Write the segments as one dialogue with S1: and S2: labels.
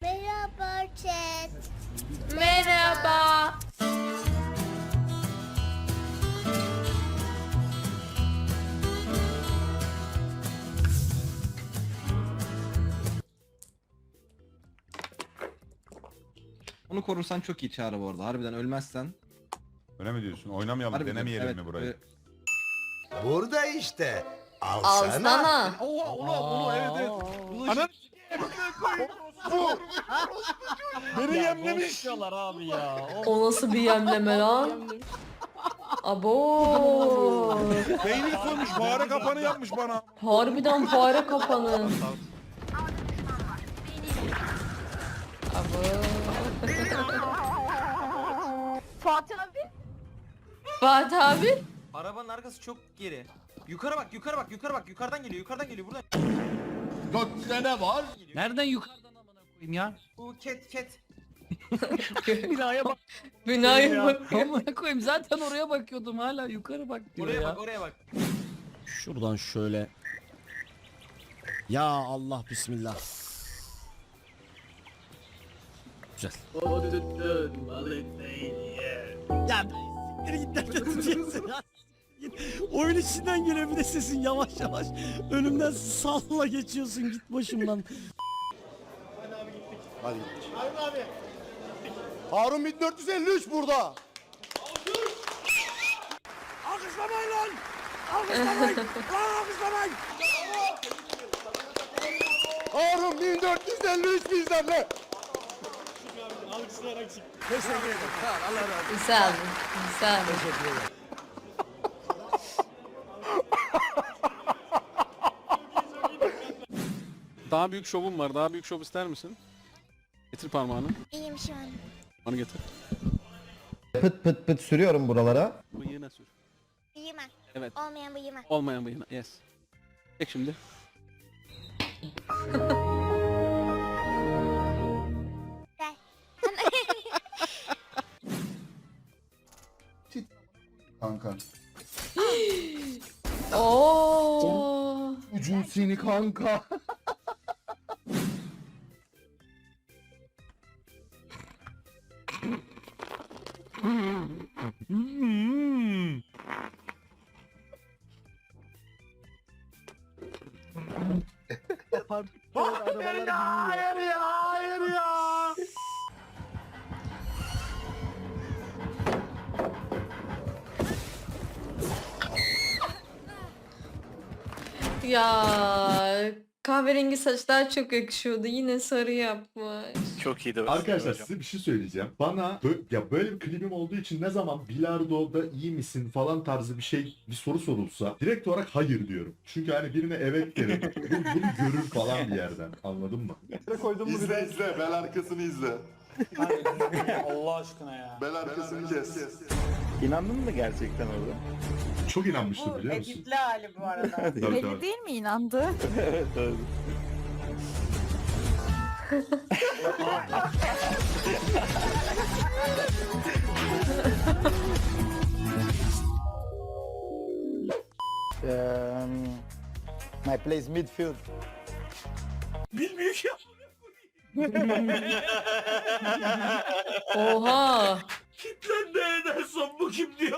S1: Merhaba chat.
S2: Merhaba.
S3: Onu korursan çok iyi Çağrı bu arada. Harbiden ölmezsen.
S4: Öyle mi diyorsun? Oynamayalım,
S3: Harbiden,
S4: denemeyelim
S3: evet,
S4: mi burayı?
S5: Burada işte. Alsana.
S2: Alsana.
S3: Onu evet.
S4: Ana beni
S6: Yemlemiş. Abi ya.
S2: O nasıl bir yemleme lan? Abo.
S4: peynir koymuş, fare kapanı yapmış bana.
S2: Harbiden fare kapanı. Abo.
S7: Fatih abi.
S2: Fatih abi.
S6: Arabanın arkası çok geri. Yukarı bak, yukarı bak, yukarı bak. Yukarıdan geliyor buradan.
S5: Gökte ne var?
S8: Nereden yukarıdan amına koyayım ya?
S6: Bu ket.
S8: Binaya bak.
S2: Binaya bak.
S8: Amına koyayım zaten oraya bakıyordum hala yukarı bak diyor
S6: Oraya
S8: ya.
S6: bak, oraya bak.
S9: Şuradan şöyle. Ya Allah bismillah. Güzel. Ya siktir git nereden tutuyorsun ya? Oyun içinden geliyor bir de sesin yavaş yavaş. Önümden salla geçiyorsun git başımdan.
S5: Hadi gittik. Harun 1453 burada.
S9: Alkışlamayın lan! Alkışlamayın! Lan alkışlamayın!
S5: Harun 1453 bizden ne?
S9: Teşekkür ederim. Sağ ol, Allah razı olsun.
S2: Güzel. Güzel.
S9: Teşekkür ederim.
S10: Daha büyük şovum var. Daha büyük şov ister misin? Getir parmağını.
S1: İyiyim şu an.
S10: Onu getir.
S11: Pıt pıt pıt sürüyorum buralara.
S10: Bıyığına sür.
S1: Bıyıma.
S10: Evet.
S1: Olmayan bıyıma.
S10: Olmayan bıyığına. Yes. Çek şimdi.
S1: Gel.
S5: Kanka.
S2: Oo.
S5: Ucun seni kanka.
S9: Hayır ya, hayır ya, hayır ya.
S2: Ya kahverengi saçlar çok yakışıyordu. Yine sarı yapmış.
S10: Çok iyiydi.
S12: Arkadaşlar size bir şey söyleyeceğim. Bana ya böyle bir klibim olduğu için ne zaman bilardoda iyi misin falan tarzı bir soru sorulsa direkt olarak hayır diyorum. Çünkü hani birine evet derim. Bunu görür falan bir yerden. Anladın mı?
S5: İzle izle. Bel arkasını izle.
S6: Allah aşkına ya.
S5: Bel arkasını kes.
S10: İnandın mı gerçekten orada?
S12: Çok inanmıştım biliyor musun?
S7: Editli hali bu arada.
S12: Tabii, tabii.
S7: Değil mi inandı?
S10: Evet.
S6: My place midfield.
S9: Bilmiyor ki.
S2: Oha.
S9: Kitlendi Ederson bu kim diyor.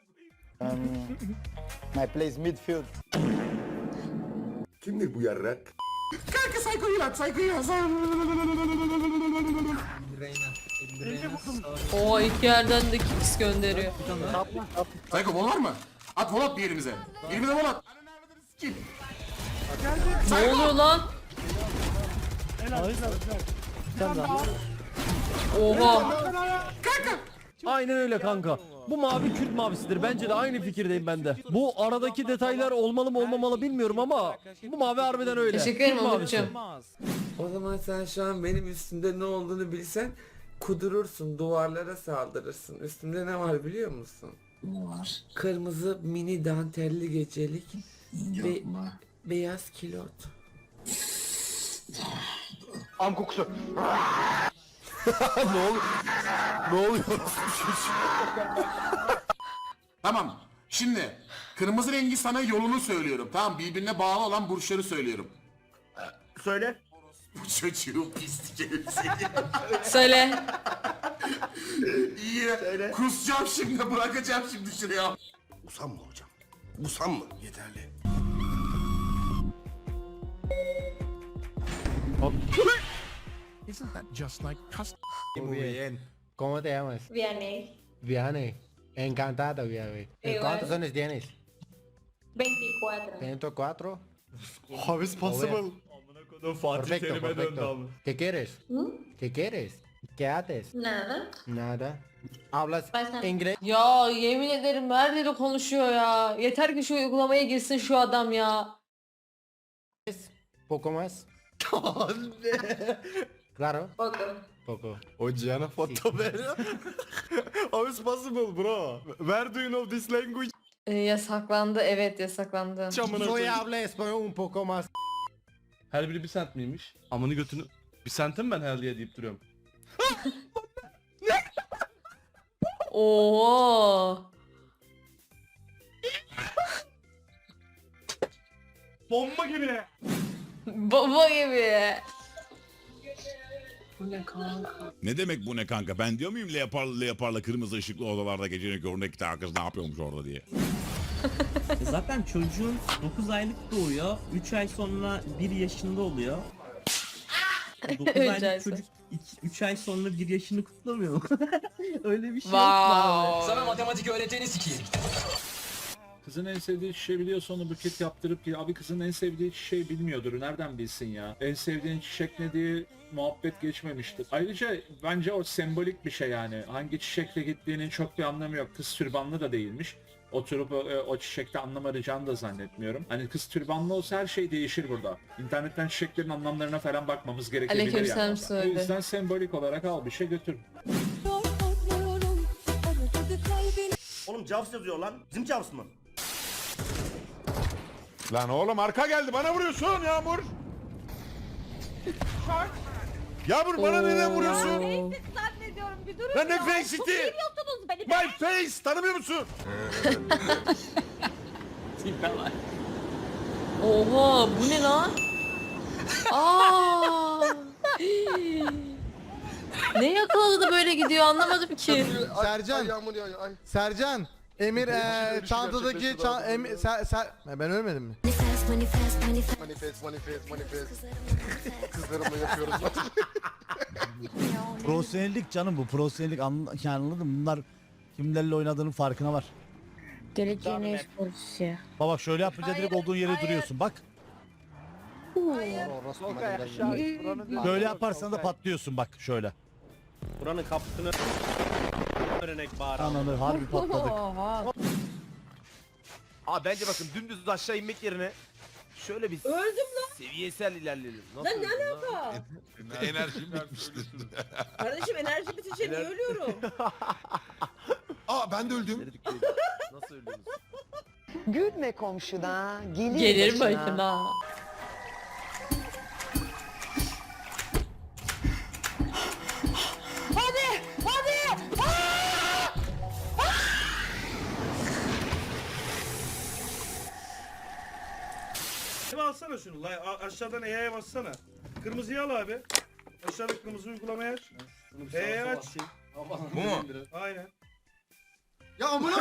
S6: My place midfield.
S5: Kimdir bu yarrak?
S9: Kanka saykoyu at, saykoyu at.
S2: Oha iki yerden de kicks gönderiyor.
S9: Sayko bol var mı? At vol at bir yerimize. Yerimize vol at.
S2: Ne oluyor lan? Oha.
S9: Aynen öyle kanka. Bu mavi Kürt mavisidir. Bence de aynı fikirdeyim ben de. Bu aradaki detaylar olmalı mı olmamalı bilmiyorum ama bu mavi harbiden öyle.
S2: Teşekkür ederim
S9: Kürt mavisi.
S2: Umut'cum.
S13: O zaman sen şu an benim üstümde ne olduğunu bilsen kudurursun, duvarlara saldırırsın. Üstümde ne var biliyor musun? Ne var? Kırmızı mini dantelli gecelik ve beyaz kilot.
S5: Am kokusu.
S9: Ne oluyor?
S4: Tamam. Şimdi kırmızı rengi sana yolunu söylüyorum. Tamam, birbirine bağlı olan burçları söylüyorum.
S6: Söyle.
S4: Bu çocuğun pislik herif seni.
S2: Söyle.
S4: İyi. Kusacağım şimdi, bırakacağım şimdi şuraya. Usam mı hocam? Usam mı? Yeterli.
S9: Isn't that just like custom?
S6: Muy bien.
S9: ¿Cómo te llamas?
S1: Vianney.
S9: Vianney. Encantado, Vianney. ¿Cuántos años tienes?
S1: 24.
S9: 104.
S5: How is possible?
S9: Perfecto, perfecto. ¿Qué quieres? ¿Qué quieres? ¿Qué haces?
S1: Nada.
S9: Nada. ¿Hablas
S1: Baştan.
S9: inglés?
S2: Ya yemin ederim her dili konuşuyor ya. Yeter ki şu uygulamaya girsin şu adam ya.
S9: ¿Poco más? Claro.
S1: Poco.
S9: Poco.
S5: Hocana foto veriyor. How is possible bro? Where do you know this language?
S2: Yasaklandı, evet yasaklandı.
S9: Soy habla español un poco más.
S3: Her biri bir sent miymiş? Amını götünü. Bir sentim ben her diye deyip duruyorum.
S2: Oo.
S6: Bomba gibi.
S2: Baba gibi.
S4: Ne demek bu ne kanka? Ben diyor muyum leoparla kırmızı ışıklı odalarda gecenin köründe iki tane kız ne yapıyormuş orada diye.
S6: Zaten çocuğun 9 aylık doğuyor. 3 ay sonra 1 yaşında oluyor. 9
S2: Üç ay
S6: aylık
S2: sonra.
S6: çocuk 3 ay sonra 1 yaşını kutlamıyor mu? Öyle bir şey
S2: Wow.
S6: Sana matematik öğreteni sikeyim.
S10: Kızın en sevdiği çiçeği biliyorsa onu buket yaptırıp ki abi kızın en sevdiği çiçeği bilmiyordur. Nereden bilsin ya? En sevdiğin çiçek ne diye muhabbet geçmemiştir. Ayrıca bence o sembolik bir şey yani. Hangi çiçekle gittiğinin çok bir anlamı yok. Kız türbanlı da değilmiş. Oturup o çiçekte anlam arayacağını da zannetmiyorum. Hani kız türbanlı olsa her şey değişir burada. İnternetten çiçeklerin anlamlarına falan bakmamız gerekebilir
S2: Aleykümselam
S10: yani. O
S2: söyle.
S10: yüzden sembolik olarak al bir şey götür.
S6: Oğlum Jaws yazıyor lan. Bizim Jaws mı?
S4: Lan oğlum arka geldi bana vuruyorsun Yağmur. Yağmur bana neden vuruyorsun?
S7: Zannediyorum bir durun.
S4: Lan ne face'iti?
S7: Seviyorsunuz beni.
S4: My face tanımıyor musun?
S2: Oha bu ne lan? Aa. Ne yakaladı da böyle gidiyor anlamadım ki.
S5: Sercan. Sercan. Emir çantadaki ben ölmedim mi? Manifest. Kızlarımla yapıyoruz.
S9: Profesyonellik canım bu. Profesyonellik yani anladın mı? Bunlar kimlerle oynadığının farkına var.
S1: Geleceğin sporcusu.
S9: Bak şöyle yapınca direkt olduğun yere duruyorsun bak. Böyle yaparsan da patlıyorsun bak şöyle.
S6: Buranın kapısını örnek bağır.
S9: Ananı harbi patladık.
S6: Abi bence bakın dümdüz aşağı inmek yerine şöyle bir seviyesel ilerleyelim. Nasıl lan ne alaka?
S4: Enerjim bitmiştir.
S7: Kardeşim enerji bitince niye ölüyorum?
S5: Aa ben de öldüm.
S6: Nasıl ölüyorsunuz?
S7: Gülme komşuna.
S2: Gelir başına.
S6: Alsana şunu. Aşağıdan E'ye bassana. Kırmızıyı al abi. Aşağıda kırmızı uygulamayı aç. E'ye aç.
S4: Bu mu?
S6: Aynen.
S5: Ya amına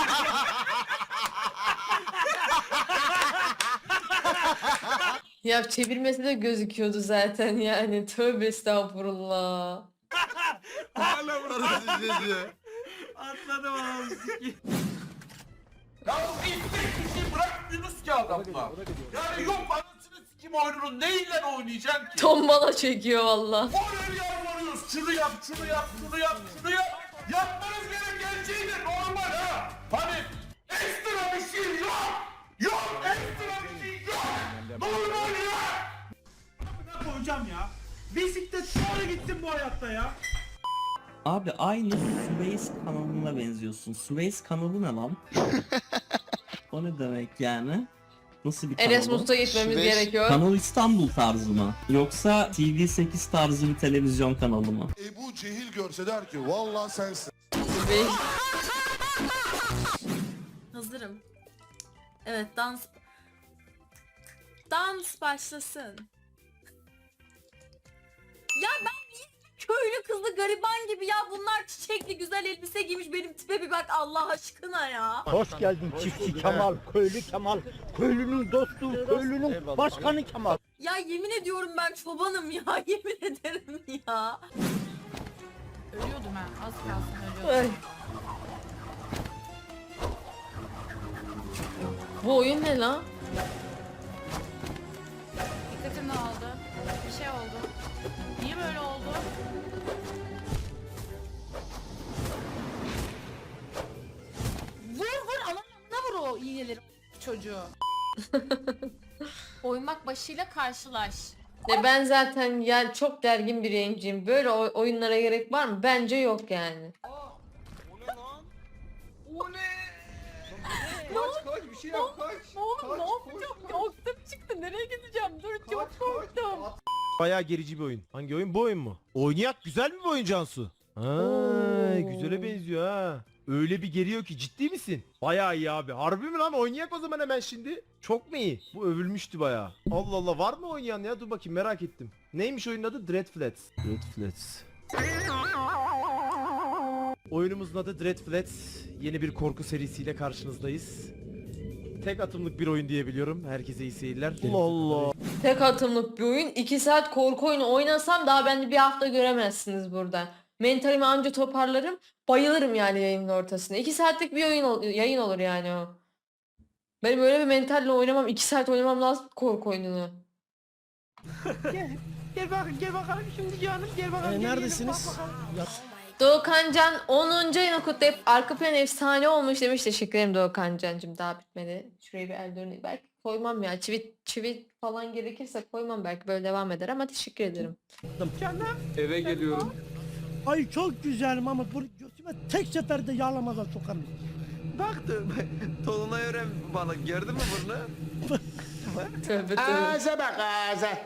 S2: Ya çevirmesi de gözüküyordu zaten yani. Tövbe estağfurullah.
S4: Hala burada sizi.
S6: Atladım abi sikeyim.
S4: Ya bu hiçbir kişi bırakmıyorsunuz ki adamla. Yani yok anasını sikim oyununu neyle oynayacaksın ki?
S2: Tombala çekiyor valla.
S4: Oraya yalvarıyoruz. Şunu yap, şunu yap, şunu yap, şunu yap. Yapmanız gereken şey de normal ha. Hani ekstra bir şey yok. Yok ekstra bir şey yok. Normal ya.
S6: Ne koyacağım ya? Bisiklet sonra gitsin bu hayatta ya. Abi aynı Suez kanalına benziyorsun. Suez kanalı ne lan? O ne demek yani? Nasıl bir kanal?
S2: Erasmus'a gitmemiz gerekiyor.
S6: Kanal İstanbul tarzı mı? Yoksa TV8 tarzı bir televizyon kanalı mı?
S5: Ebu Cehil görse der ki vallahi sensin.
S7: Hazırım. Evet dans başlasın. gibi ya, bunlar çiçekli güzel elbise giymiş, benim tipe bir bak Allah aşkına ya.
S9: Hoş geldin çiftçi Kemal, köylü Kemal, köylünün dostu, köylünün başkanı Kemal.
S7: Ya yemin ediyorum ben çobanım ya, yemin ederim ya.
S1: Ölüyordum ha. Az kalsın ölüyordum.
S2: Ay. Bu oyun ne lan?
S1: Dikkatim dağıldı. Bir şey oldu. Niye böyle oldu? Vur anamına vur o iğneleri çocuğu. Oymak başıyla karşılaş.
S2: Ben zaten yani çok gergin bir yayıncıyım. Böyle oyunlara gerek var mı? Bence yok yani.
S5: Kaç bir şey yap kaç.
S7: Oğlum ne yapacağım ya, aklım çıktı, nereye gideceğim, dur çok korktum.
S5: Bayağı gerici bir oyun. Hangi oyun? Bu oyun mu? Oynayak güzel mi bu oyun Cansu? Ha, güzele benziyor ha. Öyle bir geriyor ki, ciddi misin? Bayağı iyi abi. Harbi mi lan? Oynayak o zaman hemen şimdi. Çok mu iyi? Bu övülmüştü bayağı. Allah Allah, var mı oynayan ya? Dur bakayım, merak ettim. Neymiş oyunun adı? Dreadflats. Dreadflats. Oyunumuzun adı Dreadflats. Yeni bir korku serisiyle karşınızdayız. Tek atımlık bir oyun diyebiliyorum. Herkese iyi seyirler. Allah Allah.
S2: Tek atımlık bir oyun. 2 saat korku oyunu oynasam daha bence bir hafta göremezsiniz burada. Mentalimi anca toparlarım. Bayılırım yani yayının ortasında. 2 saatlik bir yayın olur yani o. Benim öyle bir mentalle oynamam. 2 saat oynamam lazım korku oyununu.
S8: Gel bakalım şimdi canım gel bakalım.
S9: Neredesiniz?
S2: Doğukan Can 10. ayını kutlayıp arka plan efsane olmuş demiş. Teşekkür ederim Doğukan Can'cım, daha bitmedi. Şuraya bir el döneyim. Belki koymam ya. Çivit falan gerekirse koymam, belki böyle devam eder ama teşekkür ederim.
S13: Eve geliyorum.
S9: Ay çok güzelim ama bu götüme tek seferde yağlamadan sokarım.
S5: Baktım. Tolunay öğren bana. Gördün mü bunu?
S2: Tövbe tövbe.
S4: Ağza bak ağza.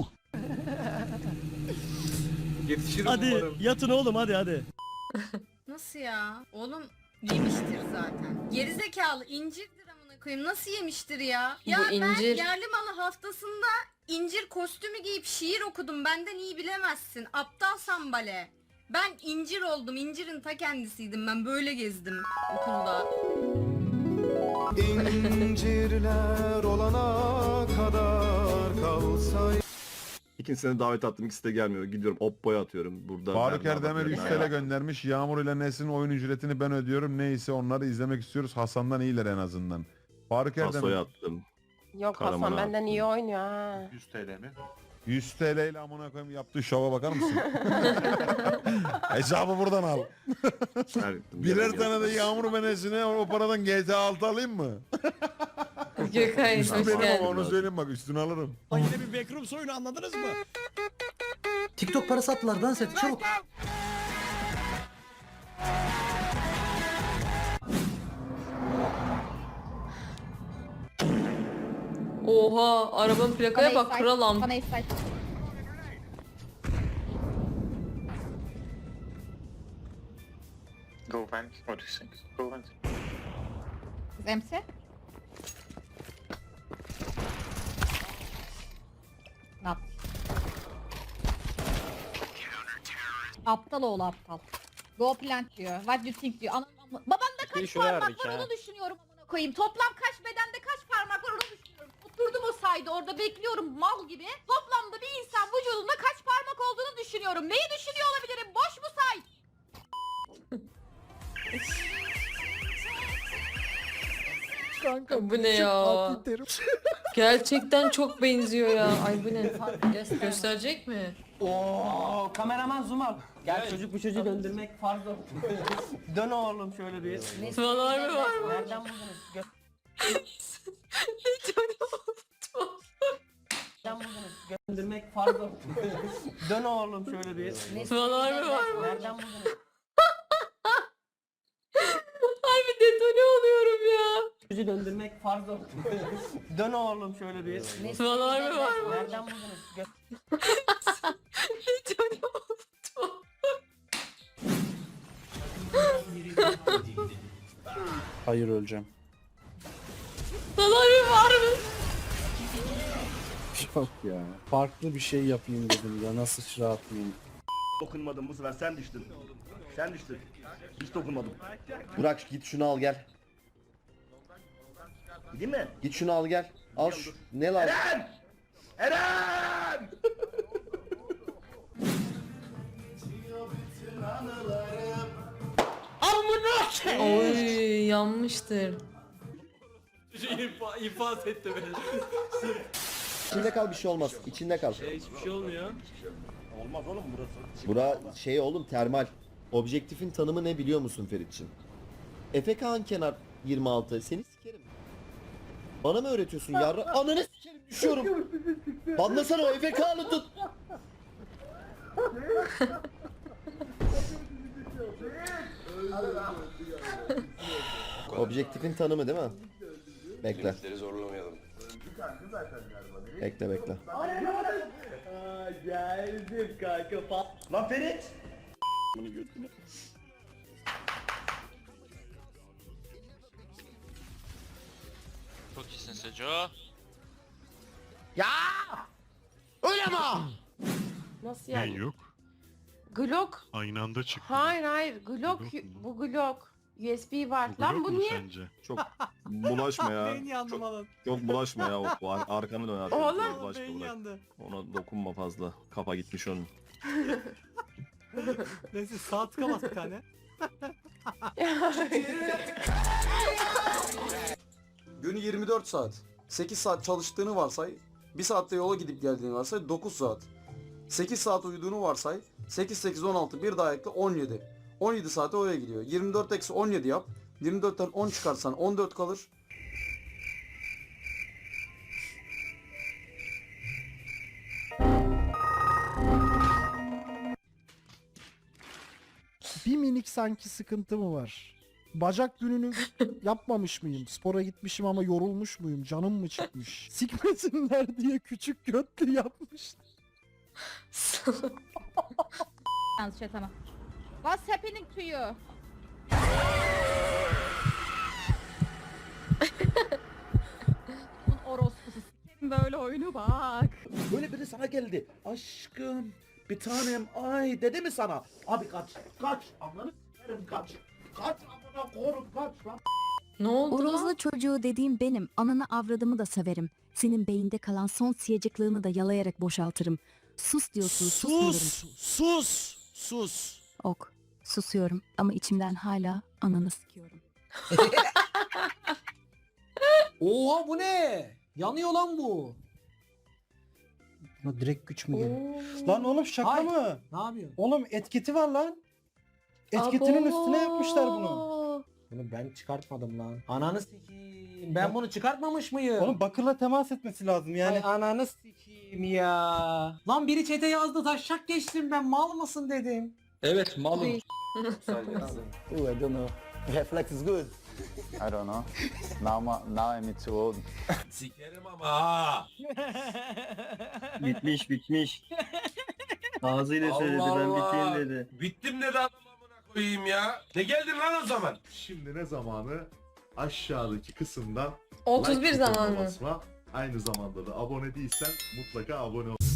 S13: Yetişirim
S9: Hadi
S13: umarım.
S9: yatın oğlum, hadi.
S1: Nasıl ya? Oğlum yemiştir zaten. Gerizekalı incirdir amına koyayım. Nasıl yemiştir ya? Ya
S2: Bu incir.
S1: ben yerli malı haftasında incir kostümü giyip şiir okudum. Benden iyi bilemezsin. Aptal sambale. Ben incir oldum. İncirin ta kendisiydim. Ben böyle gezdim okulda.
S5: İncirler olana kadar kalsay.
S12: İkincisine davet attım, ikisi de gelmiyor. Gidiyorum Oppo'ya atıyorum. Burada
S11: Faruk
S12: Berna
S11: Erdemir
S12: bakıyor.
S11: 100 TL göndermiş. Yağmur ile Nesrin oyun ücretini ben ödüyorum. Neyse onları izlemek istiyoruz. Hasan'dan iyiler en azından. Faruk Erdemir
S12: Taso'ya attım.
S7: Yok
S12: Karaman'a
S7: Hasan benden
S12: attım.
S7: iyi oynuyor ha.
S4: 100 TL mi?
S11: 100 TL ile amına koyayım yaptığı şova bakar mısın? Hesabı buradan al. Birer tane de Yağmur ve Nesrin'e o paradan GTA 6 alayım mı?
S2: Gökhan
S11: Üstü
S2: hoş
S11: benim ama
S2: geldin.
S11: onu söyleyeyim bak, üstünü alırım.
S9: Yine bir backroom oyunu, anladınız mı?
S6: TikTok parası attılar, dans et çabuk.
S2: Oha, arabanın plakaya bak, kralam.
S4: Go vent. What do you think? Go vent.
S1: Zemse? Ne yap? Aptal oğlu aptal. Go plant diyor. What do you think diyor. Babamda kaç parmak var onu düşünüyorum amına koyayım. Toplam kaç bedende kaç parmak var onu düşünüyorum. Oturdum o sayda orada bekliyorum mal gibi. Toplamda bir insan vücudunda kaç parmak olduğunu düşünüyorum. Neyi düşünüyor olabilirim? Boş mu say?
S2: Kanka bu ne ya? Gerçekten çok benziyor ya. Ay bu ne? Gösterecek mi?
S6: Oo, kameraman zoom al. Gel çocuk bu çocuğu döndürmek farz o. Dön oğlum şöyle bir.
S2: Var mı var mı?
S6: Nereden buldunuz? Nereden buldunuz? Döndürmek farz o. Dön oğlum şöyle bir.
S2: Var mı var mı?
S6: Nereden buldunuz?
S2: Harbi detone oluyorum ya.
S6: Çocuğu döndürmek farz o. Dön oğlum şöyle bir.
S2: Var mı var mı?
S6: Nereden buldunuz?
S2: Detone oldum.
S5: Hayır, öleceğim.
S2: Var mı?
S5: Yok ya. Farklı bir şey yapayım dedim ya. Nasıl sıçra atmayayım.
S4: Dokunmadım, bu sefer sen düştün. Sen düştün. Hiç dokunmadım.
S6: Burak git şunu al gel.
S4: Gideyim mi?
S6: Git şunu al gel. Al şu. Ne lazım?
S4: Eren! Eren!
S2: Oy yanmıştır.
S8: İnfaz etti beni.
S6: İçinde kal, bir şey olmaz. İçinde kal.
S8: Hiçbir şey olmuyor.
S4: Olmaz oğlum burası.
S6: Bura şey oğlum, termal. Objektifin tanımı ne biliyor musun Feritçim? Efe Kağan kenar 26. Seni sikerim. Bana mı öğretiyorsun yarra? Ananı sikerim, düşüyorum. Banlasana o Efe Kağan'ı tut. Objektifin tanımı değil mi? Bekle.
S4: Zorlamayalım.
S6: Bekle bekle.
S4: Geldim kanka. Lan Ferit!
S8: Çok iyisin Seco.
S5: Öyle mi?
S2: Nasıl yani?
S12: yok?
S2: Glock.
S12: Aynı anda çıktı.
S2: Hayır Glock. Bu Glock. USB var. Lan bu niye?
S11: Çok bulaşma ya.
S9: Beyin yandı malın.
S11: Çok bulaşma ya. Arkanı dön arkana.
S2: Oğlum.
S9: Beyin yandı.
S11: Ona dokunma fazla. Kafa gitmiş onun.
S9: Neyse sağ tıka bas bir tane.
S8: Günü 24 saat. 8 saat çalıştığını varsay. 1 saatte yola gidip geldiğini varsay 9 saat. 8 saat uyuduğunu varsay. 8, 8, 16 bir daha ekle 17. 17 saate oraya gidiyor. 24 eksi 17 yap. 24'ten 10 çıkarsan 14 kalır.
S9: Bir minik sanki sıkıntı mı var? Bacak gününü yapmamış mıyım? Spora gitmişim ama yorulmuş muyum? Canım mı çıkmış? Sikmesinler diye küçük götlü yapmış.
S1: Yalnız şeytana. What's happening to you? Orospusu sikerim böyle oyunu bak.
S4: Böyle biri sana geldi. Aşkım, bir tanem, ay dedi mi sana? Abi kaç, kaç, ananı s**erim kaç. Kaç amına korum kaç lan.
S2: Ne oldu lan?
S14: Orozlu çocuğu dediğim benim. Ananı avradımı da severim. Senin beyinde kalan son siyacıklığını da yalayarak boşaltırım. Sus diyorsun, susmuyorum.
S9: Sus.
S14: Ok, susuyorum ama içimden hala ananı sikiyorum.
S8: Oha bu ne? Yanıyor lan bu.
S9: Buna direkt güç mü geliyor?
S2: Oo.
S8: Lan oğlum şaka
S9: Ay.
S8: mı? Ne yapıyorsun?
S9: Oğlum etiketi var lan.
S2: Etiketinin üstüne yapmışlar bunu.
S8: Bunu ben çıkartmadım lan. Ananı sikeyim. Ben bunu çıkartmamış mıyım?
S9: Oğlum bakırla temas etmesi lazım yani.
S8: Ay ananı sikeyim ya. Lan biri çete yazdı taşak geçtim ben mal mısın dedim.
S10: Evet malum.
S8: Oh I don't know. Reflex is good.
S12: I don't know. Now I'm too old.
S4: Sikerim ama ha.
S6: Bitmiş. Ağzıyla söyledi, ben biteyim dedi.
S4: Bittim dedi adam amına koyayım ya. Ne geldin lan o zaman?
S12: Şimdi ne zamanı? Aşağıdaki kısımdan
S2: 31
S12: like
S2: zaman
S12: butonuna
S2: mı?
S12: basma. Aynı zamanda da abone değilsen mutlaka abone ol.